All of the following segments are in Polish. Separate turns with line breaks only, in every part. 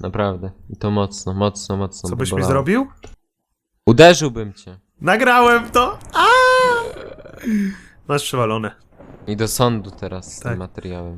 naprawdę. I to mocno, mocno, mocno.
Co byś mi
bolało.
zrobił?
Uderzyłbym cię.
Nagrałem to! Masz przewalone.
I do sądu teraz z
Tak.
tym materiałem.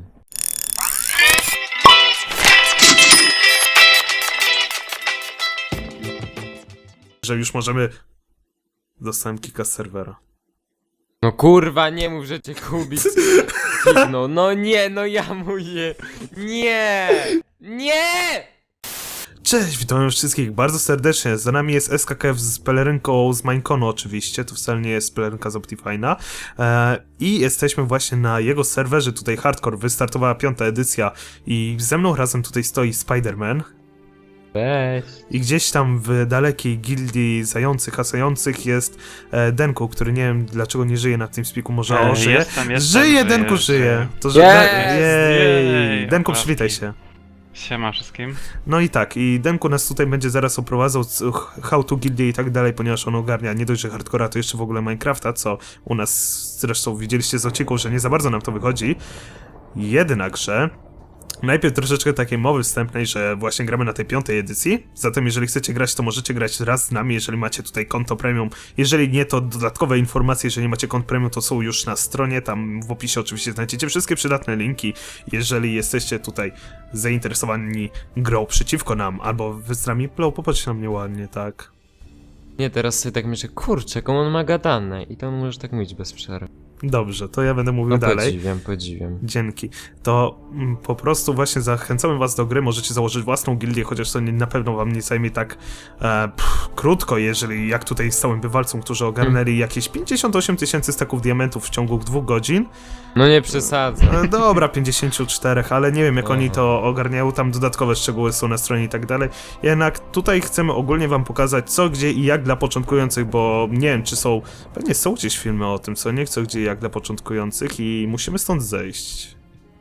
Że już możemy... Dostałem kika z serwera.
No kurwa, nie mów, że cię Kubic kiknął. No nie, no ja mówię. Nie! Nie!
Cześć, witam wszystkich bardzo serdecznie. Za nami jest SKKF z pelerynką z Mineconu oczywiście, to wcale nie jest pelerynka z Optifine'a. I jesteśmy właśnie na jego serwerze, tutaj Hardcore, wystartowała 5. edycja i ze mną razem tutaj stoi Spider-Man.
Cześć.
I gdzieś tam w dalekiej gildii zających, hasających jest Denku, który nie wiem dlaczego nie żyje na tym spiku, może on żyje. Żyje, Denku żyje! To że jej! Denku, przywitaj się.
Siema wszystkim.
No i tak, i Denku nas tutaj będzie zaraz oprowadzał how to gildię i tak dalej, ponieważ on ogarnia nie dość, że hardcora, to jeszcze w ogóle Minecrafta, co u nas zresztą widzieliście z odcinków, że nie za bardzo nam to wychodzi. Jednakże najpierw troszeczkę takiej mowy wstępnej, że właśnie gramy na tej 5. edycji, zatem jeżeli chcecie grać, to możecie grać raz z nami, jeżeli macie tutaj konto premium, jeżeli nie, to dodatkowe informacje, jeżeli macie konto premium, to są już na stronie, tam w opisie oczywiście znajdziecie wszystkie przydatne linki, jeżeli jesteście tutaj zainteresowani grą przeciwko nam, albo wy z nami, popatrzcie na mnie ładnie, tak.
Nie, teraz sobie tak myślę, kurczę, jaką on ma gadane. I to możesz tak mówić bez przerwy.
Dobrze, to ja będę mówił
No
dalej.
podziwiam.
Dzięki. To po prostu właśnie zachęcamy was do gry, możecie założyć własną gildię, chociaż to na pewno wam nie zajmie tak krótko, jeżeli jak tutaj z całym bywalcom, którzy ogarnęli jakieś 58 000 staków diamentów w ciągu 2 godzin.
No nie przesadzę.
Dobra, 54, ale nie wiem jak oni to ogarniają, tam dodatkowe szczegóły są na stronie i tak dalej. Jednak tutaj chcemy ogólnie wam pokazać co, gdzie i jak dla początkujących, bo nie wiem czy są, pewnie są gdzieś filmy o tym, co nie, co, gdzie i jak dla początkujących i musimy stąd zejść.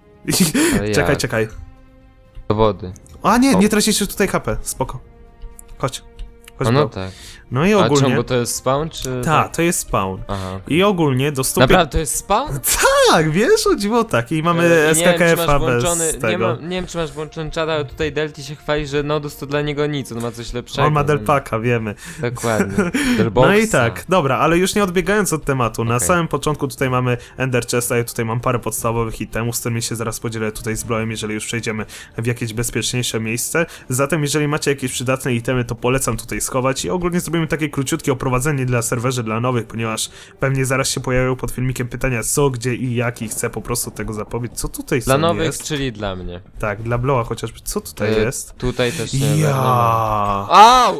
Ale
Czekaj.
Do wody.
A nie tracisz tutaj HP, spoko. Chodź. Chodź,
No, no
bro.
tak.
No i
A
ogólnie...
czemu, bo to jest spawn, czy...
Tak, to jest spawn.
Aha.
I ogólnie do 100...
Naprawdę to jest spawn?
Tak, wiesz, o dziwo tak. I mamy SKKF-a bez tego.
Nie wiem, czy masz włączony czat, ale tutaj Delty się chwali, że Nodus to dla niego nic, on ma coś lepszego.
On ma Delpaka, wiemy.
Dokładnie. Delboxa.
No i tak, dobra, ale już nie odbiegając od tematu, na
Okej.
samym początku tutaj mamy Ender Chesta, ja tutaj mam parę podstawowych itemów, z którymi się zaraz podzielę tutaj z Bloem, jeżeli już przejdziemy w jakieś bezpieczniejsze miejsce. Zatem jeżeli macie jakieś przydatne itemy, to polecam tutaj schować i ogólnie zrobimy takie króciutkie oprowadzenie dla serwerzy, dla nowych, ponieważ pewnie zaraz się pojawią pod filmikiem pytania co, gdzie i jak i chcę po prostu tego zapowiedzieć. Co tutaj
Dla nowych,
jest?
czyli dla mnie.
Tak, dla Bloa chociażby. Co tutaj jest?
Tutaj też nie
Ja.
wiadomo. Au!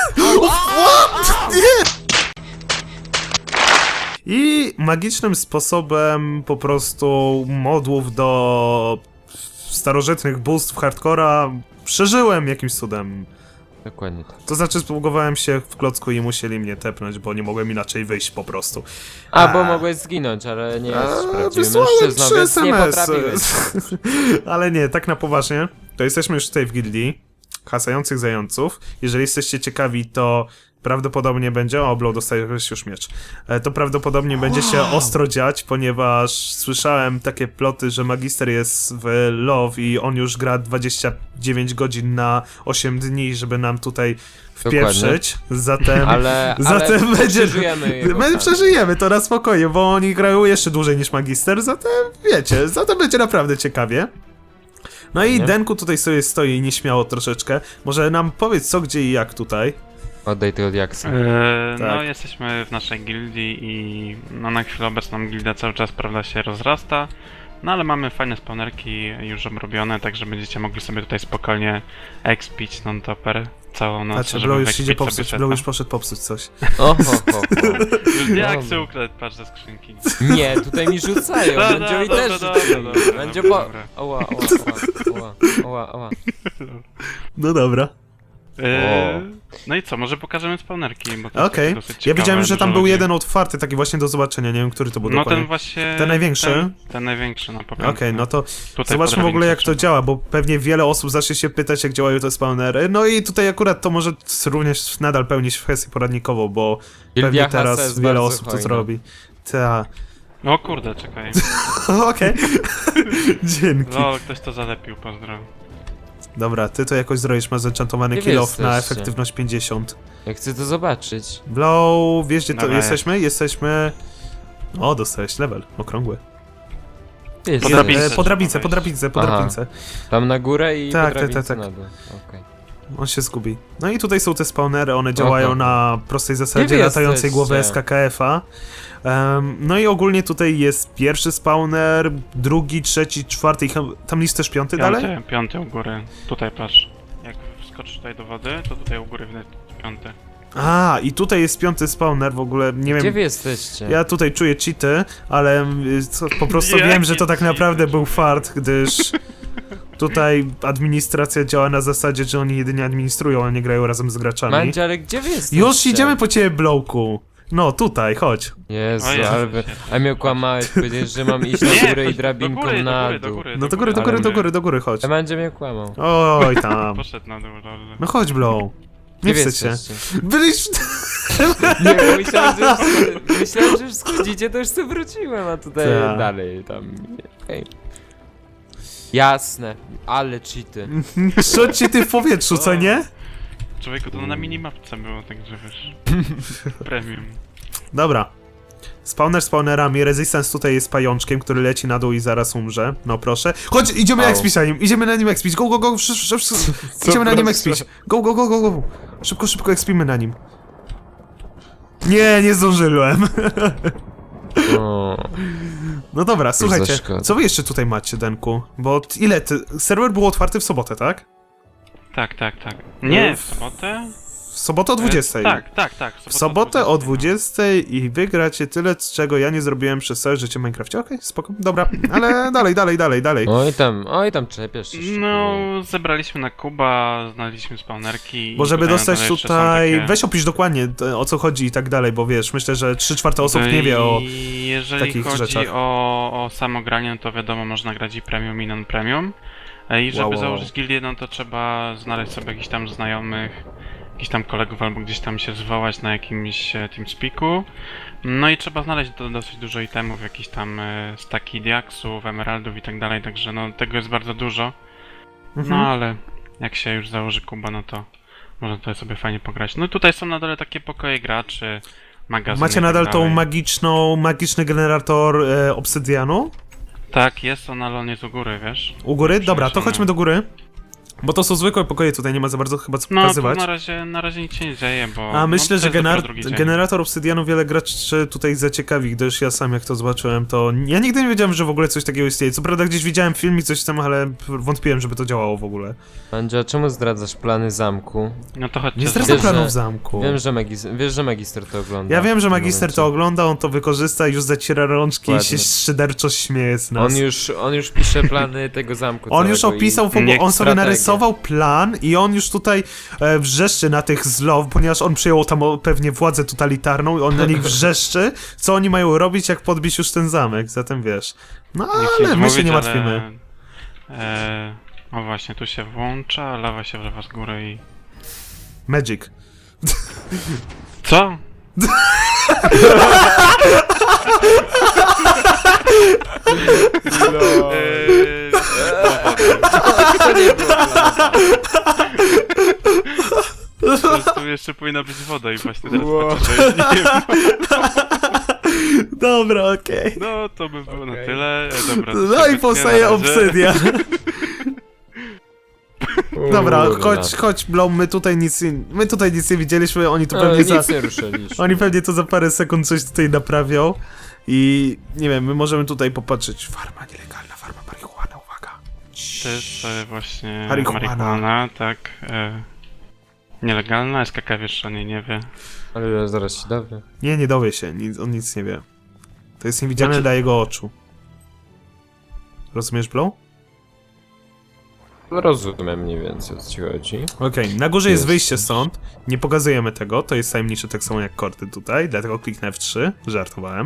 I magicznym sposobem po prostu modłów do starożytnych bóstw hardcora przeżyłem jakimś cudem.
Dokładnie tak.
To znaczy zbugowałem się w klocku i musieli mnie tepnąć, bo nie mogłem inaczej wyjść po prostu.
Bo mogłeś zginąć, ale nie jesteś prawdziwym
Wysłałem
mężczyzną,
3
więc nie
SMS-y.
potrafiłeś.
Ale nie, tak na poważnie, to jesteśmy już tutaj w gildii hasających zająców. Jeżeli jesteście ciekawi, to prawdopodobnie będzie... O, Blow, dostajesz już miecz. To prawdopodobnie będzie się ostro dziać, ponieważ słyszałem takie ploty, że Magister jest w Love i on już gra 29 godzin na 8 dni, żeby nam tutaj wpieprzyć. Zatem... zatem będzie...
przeżyjemy jego
My
karę.
przeżyjemy to na spokojnie, bo oni grają jeszcze dłużej niż Magister, zatem wiecie, zatem będzie naprawdę ciekawie. No i
Nie?
Denku tutaj sobie stoi nieśmiało troszeczkę. Może nam powiedz co, gdzie i jak tutaj.
Oddaj tego diaksa.
No
Tak.
jesteśmy w naszej gildii i no, na chwilę obecną gildia cały czas prawda się rozrasta. No ale mamy fajne spawnerki już obrobione, także będziecie mogli sobie tutaj spokojnie expić non-topper całą noc.
Znaczy,
żeby
Blow już
wyekspić
idzie
sobie
popsuć,
seta.
Blow już poszedł popsuć coś.
Już diaksy
Dobra.
ukradł, patrz ze skrzynki.
Nie, tutaj mi rzucają,
Dobra,
Będziowi
dobra,
też
dobra,
rzucają.
dobra,
Będzie
dobra,
po...
dobra.
Oła.
No dobra.
No i co, może pokażemy spawnerki, bo to
Okej.
jest dosyć
Ja
ciekawe,
widziałem, że tam
dużo
był
ludzi.
jeden otwarty, taki właśnie do zobaczenia, nie wiem, który to był
No
dokładnie.
ten właśnie...
Ten największy?
Ten największy, no po
Okej, no to
Tutaj
zobaczmy w ogóle jak to
podrabiam
działa, bo pewnie wiele osób zacznie się pytać, jak działają te spawnery. No i tutaj akurat to może również nadal pełnić kwestię poradnikową, bo
Gildia
pewnie
Hasa
teraz
jest
wiele
bardzo
osób to
hojna.
zrobi. Ta.
O kurde, czekaj.
Okej. Dzięki.
No, ktoś to zalepił, pozdro.
Dobra, ty to jakoś zrobisz, masz zenchantowany
Gdzie
kill
wy
off na
jesteście?
efektywność 50.
Ja chcę to zobaczyć.
Blow, wiesz gdzie to
Dobra,
jesteśmy? Jesteśmy... O, dostałeś level, okrągły.
Ty
Po
jesteś.
drabince.
Po drabince,
trzeba
po drabince, po
Aha.
drabince.
Tam na górę i
Tak,
po
tak,
drabince
tak, tak.
na dół. Okej.
On się zgubi. No i tutaj są te spawnery, one działają
Aha.
na prostej zasadzie
wy
latającej
jesteście?
głowy SKKF-a. No i ogólnie tutaj jest pierwszy spawner, drugi, trzeci, czwarty i tam jest też piąty dalej?
Piąty u góry. Tutaj patrz. Jak wskoczysz tutaj do wody, to tutaj u góry widać piąty.
A, i tutaj jest piąty spawner, w ogóle nie
Gdzie
wiem...
wy jesteście?
Ja tutaj czuję cheaty, ale po prostu
Jakie
wiem, że to tak
cheaty?
naprawdę był fart, gdyż tutaj administracja działa na zasadzie, że oni jedynie administrują, a nie grają razem z graczami.
Mandzio, ale gdzie wy jesteście?
Już idziemy po ciebie, Blowku. No, tutaj, chodź.
Jezu,
O Jezu,
ale wy...
świetnie.
A mnie okłamałeś, powiedziałeś, że mam iść na górę i
chodź
drabinką
do góry,
na
do
dół.
góry,
No do góry, do góry, do góry, do góry, chodź.
A Mandzio mnie okłamał.
Oj tam.
Poszedł na dół, lol.
No chodź, Blow. Nie
Gdzie wy
wstydź się.
jesteście?
Byliś...
Nie, bo myślałem, że już schodzicie, to już sobie wróciłem, a tutaj
Tak.
dalej tam... Okej. Jasne, ale cheaty.
Szczot ci ty w powietrzu, co nie?
Człowieku, to na minimapce było, także wiesz. Premium.
Dobra. Spawner spawnerami, Resistance tutaj jest pajączkiem, który leci na dół i zaraz umrze. No proszę. Chodź, idziemy
Au.
expić na nim, idziemy na nim expić. Go, go, go, idziemy na nim
proszę?
expić. Go, go, go, go, go. Szybko, szybko expimy na nim. Nie zdążyłem.
O,
No dobra, słuchajcie,
szkoda.
co wy jeszcze tutaj macie, Denku? Bo ile serwer był otwarty w sobotę, tak?
Tak. Nie, w sobotę?
W sobotę o 20.
Tak.
W sobotę o 20 i wygracie tyle, z czego ja nie zrobiłem przez całe życie w Minecrafcie. Okej, spoko, dobra, ale dalej.
oj tam czepiasz się.
No, zebraliśmy na Kuba, znaleźliśmy spawnerki.
Bo
i
żeby
tutaj
dostać
na dole jeszcze są
tutaj...
takie-
Weź opisz dokładnie o co chodzi i tak dalej, bo wiesz, myślę, że 3/4 osób nie wie o...
I jeżeli
takich
chodzi
rzeczach.
o samo granie, no to wiadomo, można grać i premium, i non-premium. I żeby
Wow.
założyć gildię, no to trzeba znaleźć sobie jakichś tam znajomych, jakichś tam kolegów, albo gdzieś tam się zwołać na jakimś TeamSpeaku. No i trzeba znaleźć dosyć dużo itemów, jakichś tam staki diaksów, emeraldów i tak dalej, także no tego jest bardzo dużo. No
Mhm.
ale jak się już założy Kuba, no to można tutaj sobie fajnie pograć. No tutaj są na dole takie pokoje graczy, magazyny.
Macie
i tak
nadal tą
dalej.
magiczny generator obsydianu?
Tak, jest on, ale on jest u góry, wiesz?
U góry? Dobra, to
Przeniesiony.
chodźmy do góry. Bo to są zwykłe pokoje, tutaj nie ma za bardzo chyba co
No, tu
pokazywać.
na razie nic się nie dzieje, bo...
A myślę,
no,
że
to jest dopiero drugi dzień.
generator obsydianu wiele graczy tutaj zaciekawi, gdyż ja sam jak to zobaczyłem, to ja nigdy nie wiedziałem, że w ogóle coś takiego istnieje. Co prawda gdzieś widziałem film i coś tam, ale wątpiłem, żeby to działało w ogóle.
Mandzio, czemu zdradzasz plany zamku?
No to chodźcie.
Nie
zobaczymy.
zdradzam
Wiesz,
planów
że-
zamku.
Wiesz, że magister to ogląda.
Ja wiem, że
w tym
magister to
momencie.
ogląda, on to wykorzysta i już zaciera rączki i się
Dokładnie.
szyderczo śmieje z nas.
On już pisze plany tego zamku
On już
całego
opisał, w ogóle,
niech
on sobie
strategię.
narysował plan i on już tutaj wrzeszczy na tych zlow, ponieważ on przyjął tam pewnie władzę totalitarną i on na nich wrzeszczy, co oni mają robić, jak podbić już ten zamek, zatem wiesz. No
Nie chcę
ale
nic
my się
mówić,
nie martwimy.
Ale, o właśnie, tu się włącza, lawa się wlewa z góry i...
Magic.
Co?
No. To nie było planu.
Tu jeszcze powinna być woda i właśnie teraz
Wow.
patrzę, że nie ma.
Dobra, okej.
No, to by było na
Okej.
tyle. Dobra, to
No
się
i
wytnie,
powstaje
na razie.
obsydia. Dobra,
Kurna.
chodź, Blom, my tutaj nic nie widzieliśmy, oni tu
No,
pewnie
nic nie ruszyliśmy.
Oni pewnie to za parę sekund coś tutaj naprawią i nie wiem, my możemy tutaj popatrzeć. Farma nielegalna, farma marihuana, uwaga.
To jest właśnie
Marihuana.
marihuana, tak. Nielegalna, SKK wiesz o niej nie wie.
Ale zaraz się dowie.
Nie dowie się, on nic nie wie. To jest niewidzialne
Znaczy-
dla jego oczu. Rozumiesz, Blow?
Rozumiem mniej więcej, o co ci chodzi.
Okej, na górze jest
Jest.
wyjście stąd. Nie pokazujemy tego, to jest tajemnicze tak samo jak kordy tutaj, dlatego kliknę F3. Żartowałem.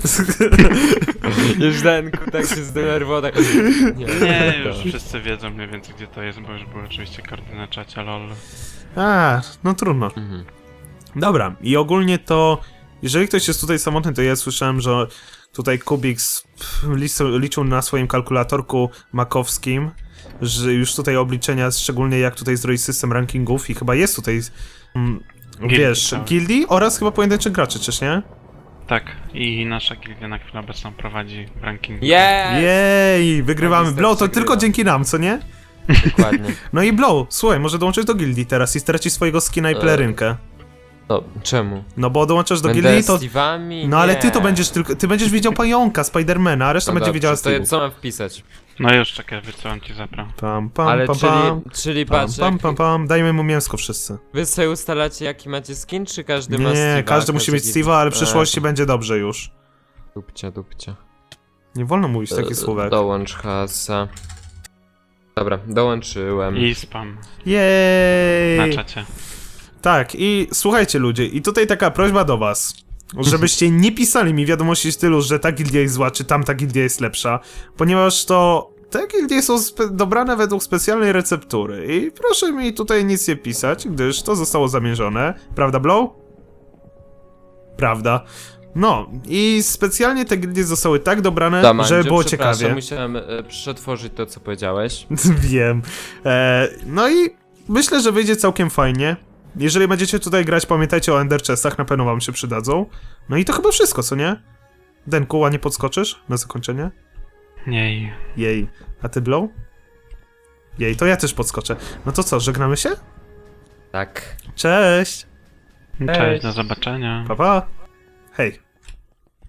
Już Denku tak się zdenerwował, tak...
Nie,
to.
już wszyscy wiedzą mniej więcej gdzie to jest, bo już były oczywiście karty na czacie, lol.
A, no trudno.
Mhm.
Dobra, i ogólnie to, jeżeli ktoś jest tutaj samotny, to ja słyszałem, że tutaj Kubik liczył na swoim kalkulatorku makowskim że już tutaj obliczenia, szczególnie jak tutaj zrobić system rankingów i chyba jest tutaj,
Gildii
wiesz,
całej.
gildii oraz chyba pojedynczych graczy, czyż nie?
Tak, i nasza gildia na chwilę obecną prowadzi w rankingu.
Jej, wygrywamy.
Magister
Blow to
przegrywa.
tylko dzięki nam, co nie?
Dokładnie.
No i Blow, słuchaj, może dołączyć do gildii teraz i stracić swojego skina i pelerynkę.
No, czemu?
No bo dołączasz do
Będę
gildii, to...
Steve'ami?
No ale
Nie.
ty to będziesz tylko, ty będziesz widział pająka, Spidermana, a reszta
No
będzie
dobrze,
widziała
to
Steve'ów.
co mam wpisać?
No już czekaj, wysyłam ci zapra.
Pam, pam,
Ale
pam, pam.
czyli
Pam,
patrz,
pam, pam, pam, dajmy mu mięsko wszyscy.
wy sobie ustalacie jaki macie skin, czy każdy ma
Nie,
Steve'a?
każdy musi mieć Steve'a, ale w przyszłości
to
będzie dobrze już.
Dupcia.
Nie wolno mówić takich słówek.
Dołącz hasa. Dobra, dołączyłem.
I spam
Jej!
na czacie.
Tak, i słuchajcie ludzie, i tutaj taka prośba do was, żebyście nie pisali mi wiadomości w stylu, że ta gildia jest zła, czy tamta gildia jest lepsza, ponieważ to te gildie są dobrane według specjalnej receptury i proszę mi tutaj nic nie pisać, gdyż to zostało zamierzone. Prawda, Blow? Prawda. No, i specjalnie te gildie zostały tak dobrane,
Damandzio,
żeby było
przepraszam,
ciekawie.
musiałem przetworzyć to, co powiedziałeś.
Wiem. No i myślę, że wyjdzie całkiem fajnie. Jeżeli będziecie tutaj grać, pamiętajcie o Ender Chestach, na pewno wam się przydadzą. No i to chyba wszystko, co nie? Denku, ładnie podskoczysz na zakończenie?
Nie.
Jej. A ty, Blow? Jej, to ja też podskoczę. No to co, żegnamy się?
Tak.
Cześć!
Cześć, do zobaczenia.
Pa, pa! Hej!